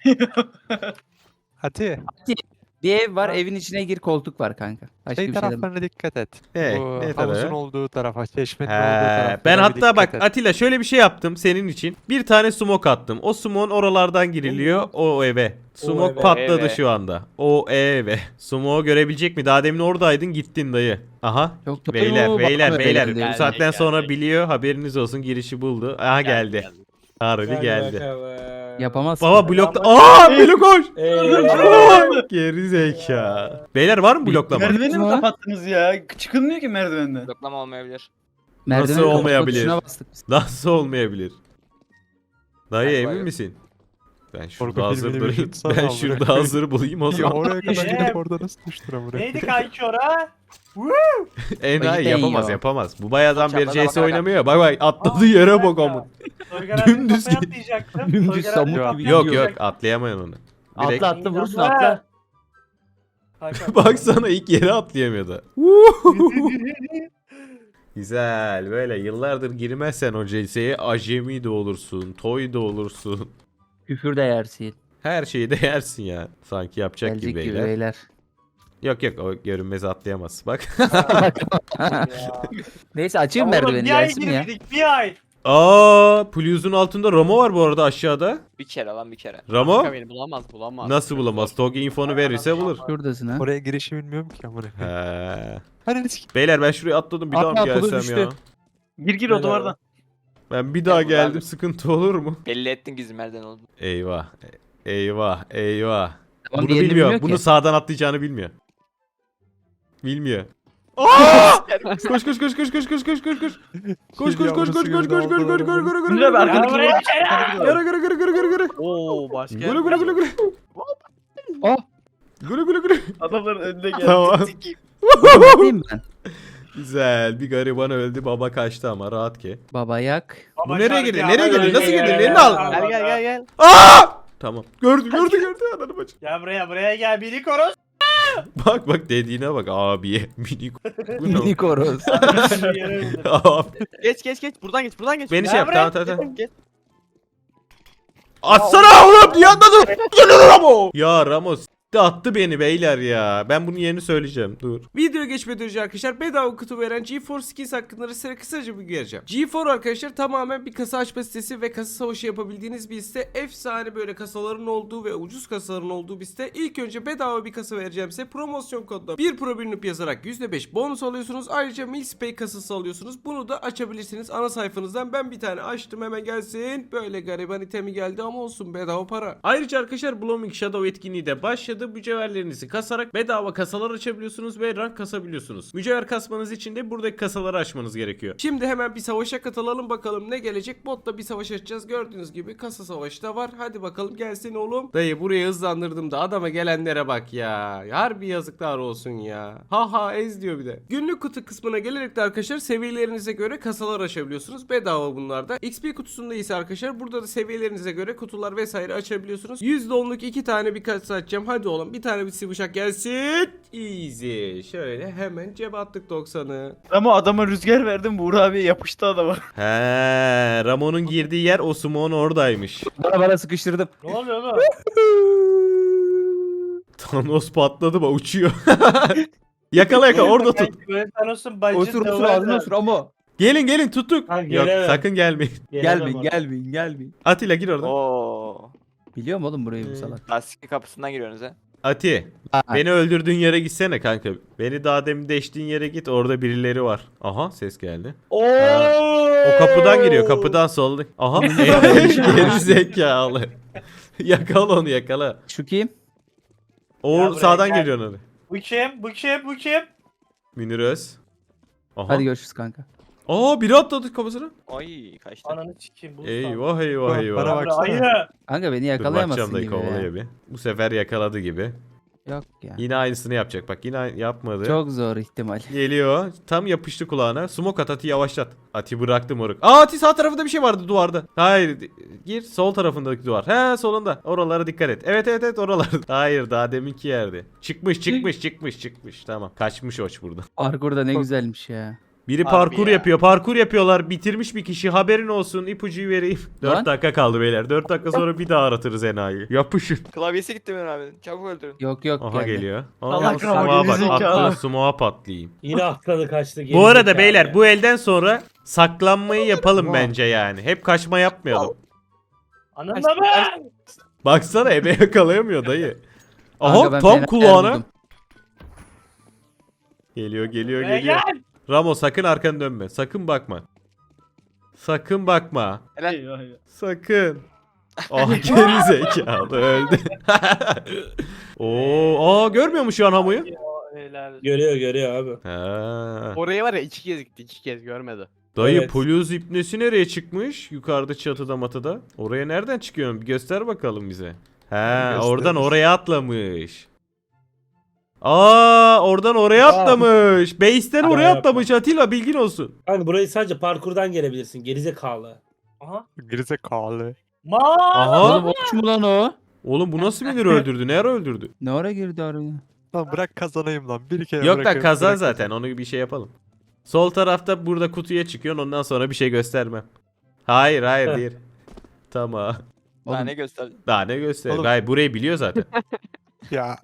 [SPEAKER 7] Hadi.
[SPEAKER 3] Bir ev var,
[SPEAKER 7] Ha.
[SPEAKER 3] evin içine gir, koltuk var kanka. Başka
[SPEAKER 7] Şey
[SPEAKER 3] bir şey demem.
[SPEAKER 7] taraflarına dikkat et.
[SPEAKER 1] He,
[SPEAKER 7] Bu
[SPEAKER 1] ne
[SPEAKER 7] havuzun
[SPEAKER 1] tarafı?
[SPEAKER 7] olduğu tarafa, çeşmenin
[SPEAKER 1] He,
[SPEAKER 7] olduğu tarafa.
[SPEAKER 1] ben hatta bak Atilla şöyle bir şey yaptım senin için. Bir tane smoke attım. O smoke'un oralardan giriliyor o eve. Smoke
[SPEAKER 4] eve.
[SPEAKER 1] patladı
[SPEAKER 5] Eve.
[SPEAKER 1] şu anda. O eve. Smoke'u görebilecek mi? Daha demin oradaydın gittin dayı. Aha.
[SPEAKER 3] Yok, yok,
[SPEAKER 1] Beyler
[SPEAKER 3] yok,
[SPEAKER 1] beyler
[SPEAKER 3] bakma
[SPEAKER 1] beyler.
[SPEAKER 3] beyler
[SPEAKER 1] Bu
[SPEAKER 3] diyor.
[SPEAKER 1] saatten
[SPEAKER 5] Geldi,
[SPEAKER 1] sonra
[SPEAKER 5] geldi.
[SPEAKER 1] biliyor. Haberiniz olsun girişi buldu. Aha geldi. Harbi
[SPEAKER 4] Gel
[SPEAKER 1] geldi.
[SPEAKER 4] bakalım.
[SPEAKER 3] Yapamaz.
[SPEAKER 1] Baba
[SPEAKER 3] ki.
[SPEAKER 1] blokta. Aa Melo koş.
[SPEAKER 4] Ee,
[SPEAKER 1] Geri zeka. Beyler var mı bloklama?
[SPEAKER 2] Merdiveni mi
[SPEAKER 3] Ha?
[SPEAKER 2] kapattınız ya? Çıkılmıyor ki merdivenden.
[SPEAKER 5] Bloklama olmayabilir.
[SPEAKER 3] Merdivenin
[SPEAKER 1] Nasıl
[SPEAKER 3] kapı
[SPEAKER 1] olmayabilir?
[SPEAKER 3] tuşuna bastık biz.
[SPEAKER 1] Nasıl olmayabilir? Dayı
[SPEAKER 5] Bak,
[SPEAKER 1] emin
[SPEAKER 5] bak.
[SPEAKER 1] misin? Ben şurada
[SPEAKER 7] Korku
[SPEAKER 1] hazır
[SPEAKER 7] filmini
[SPEAKER 1] durayım.
[SPEAKER 7] vücut sana
[SPEAKER 1] Ben
[SPEAKER 7] amına
[SPEAKER 1] şurada
[SPEAKER 7] koyayım.
[SPEAKER 1] hazır bulayım o
[SPEAKER 7] Ya
[SPEAKER 1] zaman.
[SPEAKER 7] oraya kadar
[SPEAKER 6] Ee,
[SPEAKER 7] gidip orada nasıl düştün amına
[SPEAKER 6] Neydi
[SPEAKER 7] koyayım?
[SPEAKER 6] kanki ora?
[SPEAKER 1] Enayi
[SPEAKER 3] Cidden
[SPEAKER 1] yapamaz
[SPEAKER 3] ya.
[SPEAKER 1] yapamaz. Bu bayağıdan beri
[SPEAKER 5] Çapraz
[SPEAKER 1] C S
[SPEAKER 5] bakarak
[SPEAKER 1] oynamıyor ya. Bak bak atladığı yere bak ama.
[SPEAKER 6] Soygar abinin
[SPEAKER 1] Dümdüz
[SPEAKER 6] kafaya
[SPEAKER 1] git.
[SPEAKER 6] atlayacaktım.
[SPEAKER 3] Dümdüz
[SPEAKER 6] Soygar
[SPEAKER 3] samut
[SPEAKER 6] abinin
[SPEAKER 7] gibi
[SPEAKER 6] kafaya
[SPEAKER 1] Yok yok
[SPEAKER 6] atlayacaktım.
[SPEAKER 1] atlayamayan onu. Direkt
[SPEAKER 3] Atla atla vurursun
[SPEAKER 6] İnanma.
[SPEAKER 3] atla.
[SPEAKER 6] Kanka,
[SPEAKER 1] baksana ilk yere atlayamıyordu. Güzel böyle yıllardır girmezsen o C S'ye acemi de olursun, toy da olursun.
[SPEAKER 3] Küfür de yersin.
[SPEAKER 1] Her şeyi de yersin ya. Sanki yapacak
[SPEAKER 3] Gelecek
[SPEAKER 1] gibi
[SPEAKER 3] gibi
[SPEAKER 1] beyler.
[SPEAKER 3] beyler.
[SPEAKER 1] Yok yok o görünmez atlayamaz. Bak.
[SPEAKER 6] ya.
[SPEAKER 3] Neyse açayım
[SPEAKER 6] Oğlum,
[SPEAKER 3] merdiveni
[SPEAKER 6] bir ay
[SPEAKER 3] gelsin ya.
[SPEAKER 6] girmedik bir ay.
[SPEAKER 1] Aa, Puluz'un altında Ramo var bu arada aşağıda.
[SPEAKER 5] Bir kere lan bir kere.
[SPEAKER 1] Ramo
[SPEAKER 8] Kanka beni bulamaz bulamaz.
[SPEAKER 1] nasıl bulamaz? Togi infonu verirse bulur.
[SPEAKER 3] Şuradasın ha.
[SPEAKER 7] Oraya girişi bilmiyorum ki amına koyayım.
[SPEAKER 1] He.
[SPEAKER 7] Hani sik.
[SPEAKER 1] Beyler ben şuraya atladım bir daha mı
[SPEAKER 3] Atla, atladı,
[SPEAKER 1] gelsem
[SPEAKER 3] düştü.
[SPEAKER 1] ya?
[SPEAKER 2] Gir gir o duvardan.
[SPEAKER 1] Ben bir daha
[SPEAKER 5] Ya bu ben-
[SPEAKER 1] geldim sıkıntı olur mu?
[SPEAKER 5] Belli ettin gizli merdiven oldu.
[SPEAKER 1] Eyvah. Eyvah. Eyvah.
[SPEAKER 3] Tamam,
[SPEAKER 1] Bunu
[SPEAKER 3] diğerini
[SPEAKER 1] bilmiyor.
[SPEAKER 3] bilmiyor
[SPEAKER 1] Bunu
[SPEAKER 3] ki.
[SPEAKER 1] sağdan atlayacağını bilmiyor. Bilmiyor. Aa! Koş koş koş koş koş koş koş koş koş. Koş koş koş koş koş koş koş koş koş koş koş
[SPEAKER 2] Münir abi
[SPEAKER 6] Ya
[SPEAKER 2] arkadaki
[SPEAKER 6] buraya
[SPEAKER 2] duvar.
[SPEAKER 6] gel.
[SPEAKER 1] Gara gara gara gara gara gara.
[SPEAKER 8] Oo başka.
[SPEAKER 1] Gülü gülü gülü gülü.
[SPEAKER 3] Oh.
[SPEAKER 1] Gülü gülü gülü.
[SPEAKER 2] Adamların önüne geldi.
[SPEAKER 1] Tamam.
[SPEAKER 3] Atlayayım ben.
[SPEAKER 1] Güzel. Bir gariban öldü. Baba kaçtı ama rahat ki.
[SPEAKER 3] Baba yak.
[SPEAKER 1] Bu nereye girdi? Nereye girdi? Nasıl girdi? Elini al.
[SPEAKER 8] Gel gel gel gel.
[SPEAKER 1] Aa! Tamam. Gördü gördü gördü. Ananı bacı.
[SPEAKER 6] Gel buraya buraya gel biri koros.
[SPEAKER 1] Bak bak dediğine bak abiye. Mini. Bu ne?
[SPEAKER 3] Mini koroz.
[SPEAKER 1] Abi.
[SPEAKER 8] Geç geç geç buradan geç buradan geç.
[SPEAKER 1] Beni
[SPEAKER 6] Ya
[SPEAKER 1] şey yap.
[SPEAKER 6] bırak.
[SPEAKER 1] Tamam tamam tamam.
[SPEAKER 8] Geç.
[SPEAKER 1] Atsana oğlum niye atladın? Geliyor Ramo. Ya Ramos s**ti attı beni beyler ya. Ben bunun yerini söyleyeceğim. Dur. Video geçmeden önce arkadaşlar bedava kutu veren GeForce Skins hakkında size kısaca bir vereceğim. GeForce arkadaşlar tamamen bir kasa açma sitesi ve kasa savaşı yapabildiğiniz bir site. Efsane böyle kasaların olduğu ve ucuz kasaların olduğu bir site. İlk önce bedava bir kasa vereceğim size. Promosyon kodla bir pro bilinip yazarak yüzde beş bonus alıyorsunuz. Ayrıca Milspay kasası alıyorsunuz. Bunu da açabilirsiniz ana sayfanızdan. Ben bir tane açtım hemen gelsin. Böyle gariban itemi geldi ama olsun bedava para. Ayrıca arkadaşlar Blooming Shadow etkinliği de başladı. Mücevherlerinizi kasarak bedava kasalar açabiliyorsunuz ve rank kasabiliyorsunuz. Mücevher kasmanız için de buradaki kasaları açmanız gerekiyor. Şimdi hemen bir savaşa katılalım bakalım ne gelecek. Botla bir savaş açacağız. Gördüğünüz gibi kasa savaşı da var. Hadi bakalım gelsin oğlum. Dayı buraya hızlandırdım da adama gelenlere bak ya. Harbi yazıklar olsun ya. Ha ha ez diyor bir de. Günlük kutu kısmına gelerek de arkadaşlar seviyelerinize göre kasalar açabiliyorsunuz. Bedava bunlar da. X P kutusunda ise arkadaşlar burada da seviyelerinize göre kutular vesaire açabiliyorsunuz. yüzde onluk iki tane bir kasa açacağım. Hadi oğlum bir tane bir sıvışak gelsin. Easy. Şöyle hemen cebe attık doksanı.
[SPEAKER 2] Ama adama rüzgar verdim. Buğra abi yapıştı adama.
[SPEAKER 1] He, Ramon'un girdiği yer Osumon oradaymış.
[SPEAKER 3] Bana bana sıkıştırdım.
[SPEAKER 6] Ne oluyor oğlum?
[SPEAKER 1] Thanos patladı mı uçuyor. yakala yakala orada tut.
[SPEAKER 6] Kanki, böyle Thanos'un bacı
[SPEAKER 3] Osur
[SPEAKER 6] da
[SPEAKER 3] osur
[SPEAKER 6] var
[SPEAKER 3] ağzına
[SPEAKER 6] da.
[SPEAKER 3] osur ama.
[SPEAKER 1] Gelin gelin tuttuk.
[SPEAKER 6] Ha,
[SPEAKER 1] Yok
[SPEAKER 6] gelemem.
[SPEAKER 1] sakın gelmeyin.
[SPEAKER 6] Gelemem
[SPEAKER 3] Gelmeyin
[SPEAKER 6] oraya.
[SPEAKER 3] gelmeyin gelmeyin.
[SPEAKER 1] Atilla gir oradan.
[SPEAKER 5] Oo.
[SPEAKER 3] Biliyorum oğlum burayı bu
[SPEAKER 1] Hmm.
[SPEAKER 3] salak.
[SPEAKER 5] Lastikli kapısından giriyorsunuz ha.
[SPEAKER 1] Ati
[SPEAKER 3] Aa,
[SPEAKER 1] beni öldürdüğün yere gitsene kanka. Beni daha demin deştiğin yere git orada birileri var. Aha ses geldi.
[SPEAKER 6] Oo.
[SPEAKER 1] O kapıdan giriyor kapıdan solda. Aha geri zekalı. Yakala onu yakala.
[SPEAKER 3] Şu kim?
[SPEAKER 1] O
[SPEAKER 6] Ya buraya
[SPEAKER 1] sağdan
[SPEAKER 6] gel.
[SPEAKER 1] geliyor onu.
[SPEAKER 6] Bu kim? Bu kim? Bu kim?
[SPEAKER 1] Münir Öz. Aha.
[SPEAKER 3] Hadi görüşürüz kanka.
[SPEAKER 1] Aa biri atladı kafasına.
[SPEAKER 5] Oy kaçtı.
[SPEAKER 6] Ananı sikeyim. Bu
[SPEAKER 1] Eyvah eyvah
[SPEAKER 7] Bana
[SPEAKER 1] eyvah.
[SPEAKER 7] baksana.
[SPEAKER 6] Ayı.
[SPEAKER 3] Kanka beni
[SPEAKER 1] Dur bakacağım
[SPEAKER 3] yakalayamazsın
[SPEAKER 1] dayı
[SPEAKER 3] gibi
[SPEAKER 1] kovalıyor
[SPEAKER 3] ya.
[SPEAKER 1] bir. Bu sefer yakaladı gibi.
[SPEAKER 3] Yok ya.
[SPEAKER 1] Yine aynısını yapacak bak yine yapmadı.
[SPEAKER 3] Çok zor ihtimal.
[SPEAKER 1] Geliyor. Tam yapıştı kulağına. Smoke at Ati yavaşlat. Ati bıraktı moruk. Aa Ati sağ tarafında bir şey vardı duvarda. Hayır. Gir sol tarafındaki duvar. He solunda. Oralara dikkat et. Evet evet evet oralar. Hayır daha deminki yerde. Çıkmış çıkmış çıkmış çıkmış. Tamam. Kaçmış oç burada.
[SPEAKER 3] Parkur da ne güzelmiş ya.
[SPEAKER 1] Biri
[SPEAKER 8] Harbi
[SPEAKER 1] parkur
[SPEAKER 8] ya.
[SPEAKER 1] yapıyor. Parkur yapıyorlar. Bitirmiş bir kişi. Haberin olsun. İpucuyu vereyim. dört
[SPEAKER 3] Lan.
[SPEAKER 1] dakika kaldı beyler. dört dakika sonra bir daha aratırız enayi. Yapışın.
[SPEAKER 5] Klavyesi gitti benim abi. Çabuk öldürün.
[SPEAKER 3] Yok yok
[SPEAKER 1] Aha
[SPEAKER 3] geldi.
[SPEAKER 1] geliyor.
[SPEAKER 2] Allah
[SPEAKER 1] Aa,
[SPEAKER 2] kahretsin,
[SPEAKER 1] sumoğa bak.
[SPEAKER 2] gerizekalı.
[SPEAKER 1] Atlı sumoğa patlayayım.
[SPEAKER 4] Yine atladı kaçtı.
[SPEAKER 1] Bu
[SPEAKER 4] geri
[SPEAKER 1] arada
[SPEAKER 4] zekalı
[SPEAKER 1] beyler
[SPEAKER 4] ya.
[SPEAKER 1] bu elden sonra saklanmayı yapalım bence yani. Hep kaçma yapmayalım.
[SPEAKER 6] Ananı mı?
[SPEAKER 1] Baksana ebe yakalayamıyor dayı.
[SPEAKER 3] Kanka
[SPEAKER 1] Aha
[SPEAKER 3] ben
[SPEAKER 1] tam
[SPEAKER 3] fena yer
[SPEAKER 1] kulağına.
[SPEAKER 3] buldum.
[SPEAKER 1] Geliyor geliyor
[SPEAKER 6] Buraya
[SPEAKER 1] geliyor.
[SPEAKER 6] gel.
[SPEAKER 1] Ramo sakın arkanı dönme. Sakın bakma. Sakın bakma.
[SPEAKER 5] Helal.
[SPEAKER 2] Eyvah eyvah.
[SPEAKER 1] Sakın. Ah geri zekalı öldü. Oo, aa görmüyor mu şu an Hamu'yu?
[SPEAKER 6] Helal.
[SPEAKER 4] Görüyor görüyor abi.
[SPEAKER 1] Ha.
[SPEAKER 8] Oraya var ya iki kez gitti iki kez görmedi.
[SPEAKER 1] Dayı
[SPEAKER 4] Evet.
[SPEAKER 1] Pluz ipnesi nereye çıkmış? Yukarıda çatıda matıda. Oraya nereden çıkıyorsun? Bir göster bakalım bize. He,
[SPEAKER 7] Gösteririz.
[SPEAKER 1] oradan oraya atlamış. Aa, oradan oraya atlamış. Base'ten
[SPEAKER 4] Ya
[SPEAKER 1] oraya
[SPEAKER 4] yapma.
[SPEAKER 1] atlamış Atilla, bilgin olsun.
[SPEAKER 4] Hani burayı sadece parkurdan gelebilirsin. Gerizekalı.
[SPEAKER 6] Aha.
[SPEAKER 7] Gerizekalı.
[SPEAKER 6] Ma.
[SPEAKER 1] Aha.
[SPEAKER 3] Oğlum olmuş mu lan o?
[SPEAKER 1] Oğlum bu nasıl bilir öldürdü? Ne ara öldürdü?
[SPEAKER 3] Ne ara girdi araya?
[SPEAKER 7] Lan bırak kazanayım lan. Bir kere
[SPEAKER 1] Yok da
[SPEAKER 7] bırakıyorum,
[SPEAKER 1] kazan
[SPEAKER 7] bırak
[SPEAKER 1] zaten. Onu bir şey yapalım. Sol tarafta burada kutuya çıkıyorsun. Ondan sonra bir şey göstermem. Hayır hayır değil. Tamam.
[SPEAKER 5] Daha
[SPEAKER 3] Oğlum,
[SPEAKER 5] ne gösterdin?
[SPEAKER 1] Daha ne göster?
[SPEAKER 7] Oğlum.
[SPEAKER 1] Hayır, burayı biliyor zaten.
[SPEAKER 7] Ya.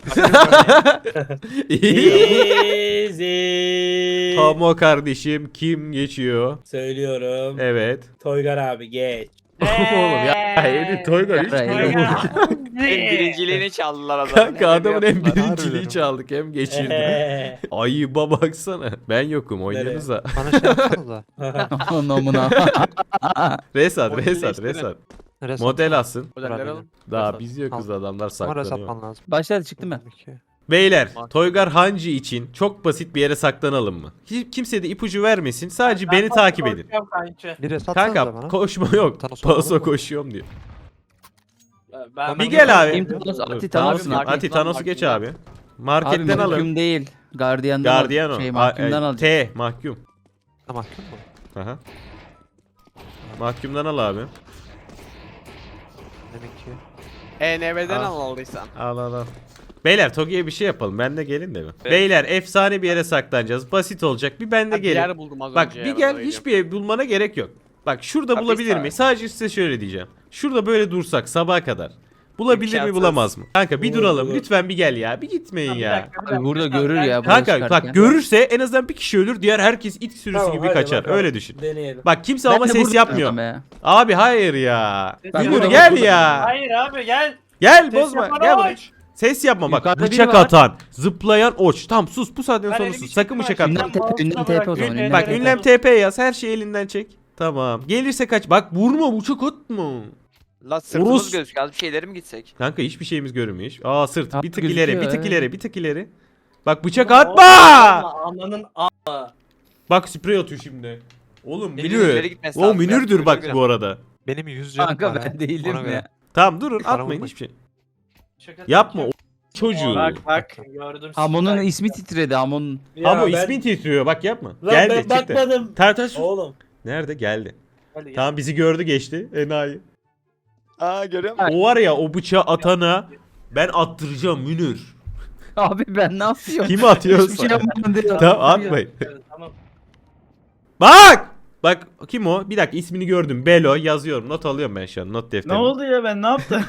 [SPEAKER 4] Easy.
[SPEAKER 1] Tomo kardeşim kim geçiyor?
[SPEAKER 4] Söylüyorum.
[SPEAKER 1] Evet.
[SPEAKER 4] Toygar abi geç.
[SPEAKER 1] Oğlum ya Edin Toygar hiç
[SPEAKER 3] Ya,
[SPEAKER 1] bilmiyor.
[SPEAKER 5] En birinciliğini çaldılar adamın.
[SPEAKER 1] Kanka adamın en
[SPEAKER 7] yaptılar.
[SPEAKER 1] birinciliği
[SPEAKER 7] Harbiden.
[SPEAKER 1] çaldık hem geçirdi.
[SPEAKER 4] Ehe.
[SPEAKER 1] Ayıba baksana. Ben yokum oynuyoruz da.
[SPEAKER 7] Bana şey yapsanıza.
[SPEAKER 3] Aman amına.
[SPEAKER 1] Resat
[SPEAKER 8] Modeli
[SPEAKER 1] resat
[SPEAKER 8] değiştirin.
[SPEAKER 1] resat.
[SPEAKER 7] Neresi?
[SPEAKER 1] Model alsın.
[SPEAKER 8] Modelleri alın.
[SPEAKER 1] Daha
[SPEAKER 8] Resat.
[SPEAKER 1] biz yokuz, adamlar
[SPEAKER 7] Ama res
[SPEAKER 1] saklanıyor.
[SPEAKER 7] atman lazım.
[SPEAKER 3] Başladı çıktı mı?
[SPEAKER 7] İki.
[SPEAKER 1] Beyler,
[SPEAKER 8] Bak.
[SPEAKER 1] Toygar Hancı için çok basit bir yere saklanalım mı? Hiç kimse de ipucu vermesin. Sadece beni takip edin.
[SPEAKER 6] Korkuyorum kanki.
[SPEAKER 7] Bir res atsanıza
[SPEAKER 1] Kanka
[SPEAKER 7] bana.
[SPEAKER 1] koşma yok.
[SPEAKER 7] Thanos olalım
[SPEAKER 1] Paso
[SPEAKER 7] mı?
[SPEAKER 1] koşuyorum diyor.
[SPEAKER 6] Ben
[SPEAKER 1] Bir gel abi.
[SPEAKER 3] Kim Thanos?
[SPEAKER 1] Dur,
[SPEAKER 3] Ati
[SPEAKER 1] tamam,
[SPEAKER 3] Thanos'un
[SPEAKER 8] Market-
[SPEAKER 1] Ati Thanos'u geç abi.
[SPEAKER 3] Abi
[SPEAKER 1] Marketten alın.
[SPEAKER 3] mahkum değil. Guardian'dan
[SPEAKER 1] Guardian
[SPEAKER 3] al.
[SPEAKER 1] o.
[SPEAKER 3] Şey
[SPEAKER 1] A-
[SPEAKER 3] mahkumdan
[SPEAKER 1] e,
[SPEAKER 3] al.
[SPEAKER 1] T mahkum.
[SPEAKER 7] Ha mahkum mu?
[SPEAKER 1] Aha. Mahkumdan al abi.
[SPEAKER 7] Demek ki.
[SPEAKER 8] E N B'den
[SPEAKER 1] Al.
[SPEAKER 8] al aldıysan.
[SPEAKER 1] Al al al. Beyler Togi'ye bir şey yapalım. Ben de gelin de mi? Beyler efsane bir yere saklanacağız. Basit olacak. Bir ben de
[SPEAKER 8] Bir
[SPEAKER 1] gelin.
[SPEAKER 8] yer buldum az
[SPEAKER 1] Bak
[SPEAKER 8] önce.
[SPEAKER 1] bir
[SPEAKER 8] ya,
[SPEAKER 1] gel,
[SPEAKER 8] ben
[SPEAKER 1] hiçbir ev bulmana gerek yok. Bak şurada
[SPEAKER 5] Hapis
[SPEAKER 1] bulabilir
[SPEAKER 5] abi.
[SPEAKER 1] mi? Sadece size şöyle diyeceğim. Şurada böyle dursak sabaha kadar. Bulabilir mi
[SPEAKER 5] İmkansız.
[SPEAKER 1] bulamaz mı? Kanka bir
[SPEAKER 4] Olur,
[SPEAKER 1] duralım.
[SPEAKER 4] olur.
[SPEAKER 1] Lütfen bir gel ya. Bir gitmeyin ya.
[SPEAKER 3] Abi burada görür ya. buraya
[SPEAKER 1] Kanka
[SPEAKER 3] çıkarken.
[SPEAKER 1] bak görürse en azından bir kişi ölür. Diğer herkes it sürüsü
[SPEAKER 4] Tamam,
[SPEAKER 1] gibi
[SPEAKER 4] hadi
[SPEAKER 1] kaçar.
[SPEAKER 4] bakalım.
[SPEAKER 1] Öyle düşün.
[SPEAKER 4] Deneyelim.
[SPEAKER 1] Bak kimse
[SPEAKER 3] Ben
[SPEAKER 1] ama
[SPEAKER 3] de
[SPEAKER 1] ses
[SPEAKER 3] burada
[SPEAKER 1] yapmıyor.
[SPEAKER 3] adam ya.
[SPEAKER 1] Abi hayır ya.
[SPEAKER 3] Ben
[SPEAKER 1] Münir
[SPEAKER 3] burada
[SPEAKER 1] gel
[SPEAKER 3] buldum.
[SPEAKER 1] ya.
[SPEAKER 6] Hayır abi gel.
[SPEAKER 1] Gel
[SPEAKER 6] Ses
[SPEAKER 1] bozma.
[SPEAKER 6] yapan
[SPEAKER 1] Gel buraya.
[SPEAKER 6] oç.
[SPEAKER 1] Ses yapma bak.
[SPEAKER 3] Yukarıda biri
[SPEAKER 1] Bıçak
[SPEAKER 3] var.
[SPEAKER 1] atan, zıplayan oç. Tamam sus, bu saatten
[SPEAKER 6] Ben
[SPEAKER 1] sonra
[SPEAKER 6] elimi
[SPEAKER 1] sus. Sakın
[SPEAKER 6] çektim
[SPEAKER 1] bıçak
[SPEAKER 6] aşağı.
[SPEAKER 1] atma.
[SPEAKER 3] Ünlem, te- ünlem T P o zaman.
[SPEAKER 6] Ünlem-
[SPEAKER 3] Ünlem
[SPEAKER 1] Bak
[SPEAKER 3] T P.
[SPEAKER 1] ünlem T P yaz, her şeyi elinden çek. Tamam. Gelirse kaç. Bak vurma, bıçak atma.
[SPEAKER 5] La sırtımız
[SPEAKER 1] Urus.
[SPEAKER 5] gözüküyor. Az bir şeyleri mi gitsek?
[SPEAKER 1] Kanka hiçbir şeyimiz görünmüyor. hiç. Aa sırt.
[SPEAKER 3] Abi
[SPEAKER 1] Bir tık
[SPEAKER 3] gözüküyor,
[SPEAKER 1] ileri, bir tık
[SPEAKER 3] evet.
[SPEAKER 1] ileri, bir tık ileri. Bak bıçak
[SPEAKER 6] Oğlum,
[SPEAKER 1] atma.
[SPEAKER 6] Ananın a.
[SPEAKER 1] Bak sprey atıyor şimdi. Oğlum
[SPEAKER 5] Elinin ileri
[SPEAKER 1] Münir.
[SPEAKER 5] gitmesi
[SPEAKER 1] O
[SPEAKER 5] lazım.
[SPEAKER 1] Münir'dür
[SPEAKER 5] Biraz
[SPEAKER 1] bak
[SPEAKER 5] böyle
[SPEAKER 1] bu arada.
[SPEAKER 7] Benim yüz canım
[SPEAKER 3] Kanka
[SPEAKER 7] var ha.
[SPEAKER 3] ben değilim
[SPEAKER 7] Ona göre.
[SPEAKER 3] ya.
[SPEAKER 1] Tamam durun
[SPEAKER 7] Bana
[SPEAKER 1] atmayın
[SPEAKER 7] vurma.
[SPEAKER 1] hiçbir şey.
[SPEAKER 6] Şaka
[SPEAKER 1] Yapma o
[SPEAKER 6] yapacağım.
[SPEAKER 1] çocuğu.
[SPEAKER 6] Bak bak gördüm.
[SPEAKER 3] Amon'un
[SPEAKER 6] sizi.
[SPEAKER 3] ismi titredi Amon.
[SPEAKER 4] Ya
[SPEAKER 1] Ama
[SPEAKER 4] ben-
[SPEAKER 1] ismin titriyor bak yapma.
[SPEAKER 4] Lan
[SPEAKER 1] Geldi
[SPEAKER 4] ben
[SPEAKER 1] çıktı.
[SPEAKER 4] bakmadım.
[SPEAKER 1] Ter ter sus.
[SPEAKER 4] Oğlum.
[SPEAKER 1] Nerede geldi.
[SPEAKER 6] Hadi gel.
[SPEAKER 1] Tamam bizi gördü geçti. Enayi.
[SPEAKER 5] Aa görüyor musun?
[SPEAKER 1] O var ya o bıçağı atana ben attıracağım Münir.
[SPEAKER 3] Abi ben ne yapıyorum?
[SPEAKER 1] Kimi atıyorsa.
[SPEAKER 3] Hiçbir şey yapmadım diyor.
[SPEAKER 1] Tamam atmayın.
[SPEAKER 6] Evet, Tamam.
[SPEAKER 1] Bak! Bak kim o? Bir dakika ismini gördüm. Belo yazıyorum. Not alıyorum ben şu an. Not
[SPEAKER 2] Ne
[SPEAKER 1] defterine.
[SPEAKER 2] oldu ya ben ne yaptım?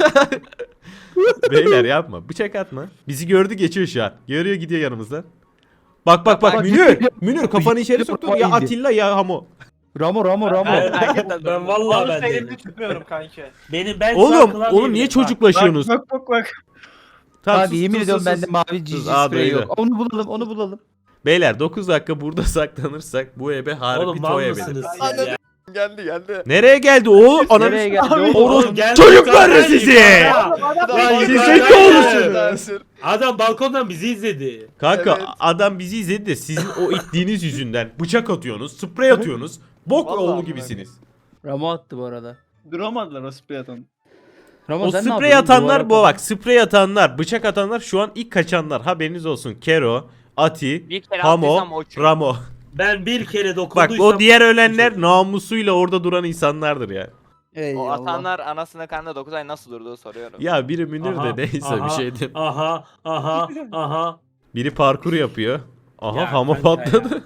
[SPEAKER 1] Beyler yapma. Bıçak atma. Bizi gördü geçiyor şu an. Görüyor gidiyor yanımızdan. Bak bak bak
[SPEAKER 3] Bak,
[SPEAKER 1] Münir.
[SPEAKER 3] gidiyor.
[SPEAKER 1] Münir kafanı içeri soktun ya
[SPEAKER 3] Iyiydi.
[SPEAKER 1] Atilla ya Hamo.
[SPEAKER 3] Ramo Ramo Ramo.
[SPEAKER 4] Ben,
[SPEAKER 8] Hakikaten
[SPEAKER 4] ben vallahi ben
[SPEAKER 6] Vallahi elimde
[SPEAKER 4] değilim.
[SPEAKER 6] tutmuyorum kanki.
[SPEAKER 4] Benim ben
[SPEAKER 1] Oğlum oğlum niye çocuklaşıyorsunuz?
[SPEAKER 2] bak bak bak.
[SPEAKER 1] Tamam,
[SPEAKER 3] Abi
[SPEAKER 1] sus,
[SPEAKER 3] yemin
[SPEAKER 1] sus,
[SPEAKER 3] ediyorum
[SPEAKER 1] sus,
[SPEAKER 3] bende
[SPEAKER 1] sus.
[SPEAKER 3] mavi cici
[SPEAKER 1] Sus, aa,
[SPEAKER 3] sprey
[SPEAKER 1] duydu.
[SPEAKER 3] yok. Onu bulalım onu bulalım.
[SPEAKER 1] Beyler dokuz dakika burada saklanırsak bu ebe harbi
[SPEAKER 4] Oğlum mal
[SPEAKER 1] toy ebedir.
[SPEAKER 4] mısınız siz
[SPEAKER 5] Anladım.
[SPEAKER 4] ya?
[SPEAKER 5] Geldi geldi.
[SPEAKER 1] Nereye geldi o? Ananı
[SPEAKER 3] Nereye geldi o?
[SPEAKER 1] Oğlum,
[SPEAKER 4] Oğlum geldi.
[SPEAKER 1] çocuklar
[SPEAKER 4] Sen
[SPEAKER 1] sizi!
[SPEAKER 4] yukarıda. Lan
[SPEAKER 1] Siz
[SPEAKER 4] yukarıda.
[SPEAKER 1] zeki olursunuz.
[SPEAKER 4] Adam balkondan bizi izledi.
[SPEAKER 1] Kanka
[SPEAKER 5] Evet.
[SPEAKER 1] adam bizi izledi de sizin o ittiğiniz yüzünden bıçak atıyorsunuz, sprey atıyorsunuz. Bok
[SPEAKER 8] Vallahi
[SPEAKER 1] oğlu
[SPEAKER 8] amına
[SPEAKER 1] gibisiniz.
[SPEAKER 3] Ramo attı bu arada.
[SPEAKER 2] Duramadılar o sprey atan.
[SPEAKER 3] Ramo
[SPEAKER 1] O
[SPEAKER 3] sen ne
[SPEAKER 1] sprey
[SPEAKER 3] yapıyorsun?
[SPEAKER 1] atanlar bu
[SPEAKER 3] Duvara
[SPEAKER 1] bak. Sprey atanlar, bıçak atanlar şu an ilk kaçanlar. Haberiniz olsun. Kero, Ati,
[SPEAKER 5] Bir kere
[SPEAKER 1] Hamo,
[SPEAKER 5] attıysam o çünkü.
[SPEAKER 1] Ramo.
[SPEAKER 4] Ben bir kere
[SPEAKER 1] Bak
[SPEAKER 4] dokunduysam...
[SPEAKER 1] o diğer ölenler namusuyla orada duran insanlardır ya.
[SPEAKER 5] O
[SPEAKER 3] Eyvallah.
[SPEAKER 5] atanlar anasının karnında dokuz ay nasıl durduğu soruyorum.
[SPEAKER 1] Ya biri Münir
[SPEAKER 4] Aha,
[SPEAKER 1] de neyse
[SPEAKER 4] aha,
[SPEAKER 1] bir şey diyeyim.
[SPEAKER 4] Aha aha aha.
[SPEAKER 1] Biri parkur yapıyor. Aha
[SPEAKER 4] Ya
[SPEAKER 1] Hamo
[SPEAKER 4] kanka
[SPEAKER 1] patladı.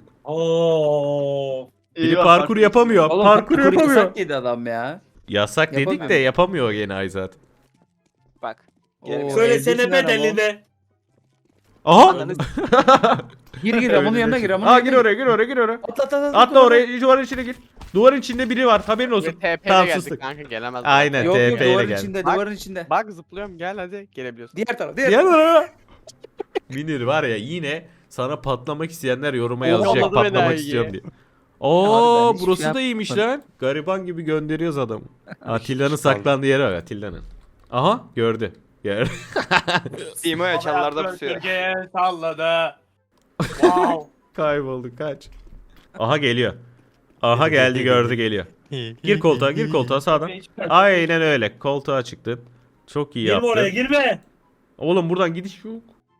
[SPEAKER 4] Oo.
[SPEAKER 1] Biri parkur yapamıyor.
[SPEAKER 3] Oğlum,
[SPEAKER 1] parkur yapamıyor.
[SPEAKER 3] yasak yedi adam ya.
[SPEAKER 1] Yasak dedik
[SPEAKER 3] Yapamıyor.
[SPEAKER 1] de yapamıyor gene Ayzat.
[SPEAKER 5] Bak.
[SPEAKER 3] Oo,
[SPEAKER 5] Geri bir-
[SPEAKER 4] Söylesene
[SPEAKER 3] eldesin lan
[SPEAKER 4] bedelini.
[SPEAKER 1] Aha.
[SPEAKER 5] Ananı
[SPEAKER 3] Gir gir Ramon'un yanına gir Ramon'un
[SPEAKER 1] Aa
[SPEAKER 3] yanına
[SPEAKER 1] gir oraya gir oraya gir oraya.
[SPEAKER 3] Atla atla atla.
[SPEAKER 1] Atla oraya duvarın içine gir. Duvarın içinde biri var haberin olsun.
[SPEAKER 8] T P
[SPEAKER 1] Tamam,
[SPEAKER 8] ile geldik
[SPEAKER 1] sustuk.
[SPEAKER 8] kanka gelemez.
[SPEAKER 1] Aynen.
[SPEAKER 3] Yok yok
[SPEAKER 1] T P ile
[SPEAKER 3] duvarın
[SPEAKER 1] gel.
[SPEAKER 3] içinde
[SPEAKER 8] Bak.
[SPEAKER 3] duvarın içinde.
[SPEAKER 8] Bak zıplıyorum gel hadi gelebiliyorsun.
[SPEAKER 3] Diğer taraf diğer
[SPEAKER 1] Gel
[SPEAKER 3] taraf.
[SPEAKER 1] oraya. Münir var ya yine sana patlamak isteyenler yoruma
[SPEAKER 8] Oo,
[SPEAKER 1] yazacak
[SPEAKER 8] yolladı beni
[SPEAKER 1] patlamak
[SPEAKER 8] ha,
[SPEAKER 1] istiyorum
[SPEAKER 8] iyi.
[SPEAKER 1] diye.
[SPEAKER 3] Abi
[SPEAKER 1] Oo
[SPEAKER 3] ben hiçbir
[SPEAKER 1] burası
[SPEAKER 3] şey
[SPEAKER 1] da iyiymiş
[SPEAKER 3] yapmadım.
[SPEAKER 1] lan. Gariban gibi gönderiyoruz adamı. Atilla'nın saklandığı yere bak Atilla'nın. Aha gördü. Gördü.
[SPEAKER 5] Simo'ya çalılarda pusuyor.
[SPEAKER 6] Gölgeye salladı. Wow.
[SPEAKER 1] Kayboldu kaç. Aha geliyor. Aha geldi gördü geliyor. Gir koltuğa gir koltuğa sağdan. Aynen öyle koltuğa çıktın. Çok iyi
[SPEAKER 4] Girme
[SPEAKER 1] yaptın.
[SPEAKER 4] oraya girme.
[SPEAKER 1] Oğlum buradan gidiş yok.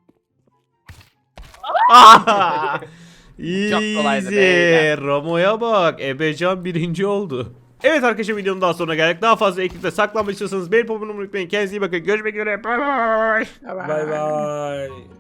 [SPEAKER 1] Ah!
[SPEAKER 3] kolaydı
[SPEAKER 1] Easy.
[SPEAKER 3] beyler.
[SPEAKER 1] Ramo'ya bak. Ebecan birinci oldu. Evet arkadaşlar videonun daha sonuna geldik. Daha fazla ekipte saklanmak istiyorsanız beğenip abone olmayı unutmayın. Kendinize iyi bakın. Görüşmek üzere. Bye bye.
[SPEAKER 4] Bay bay.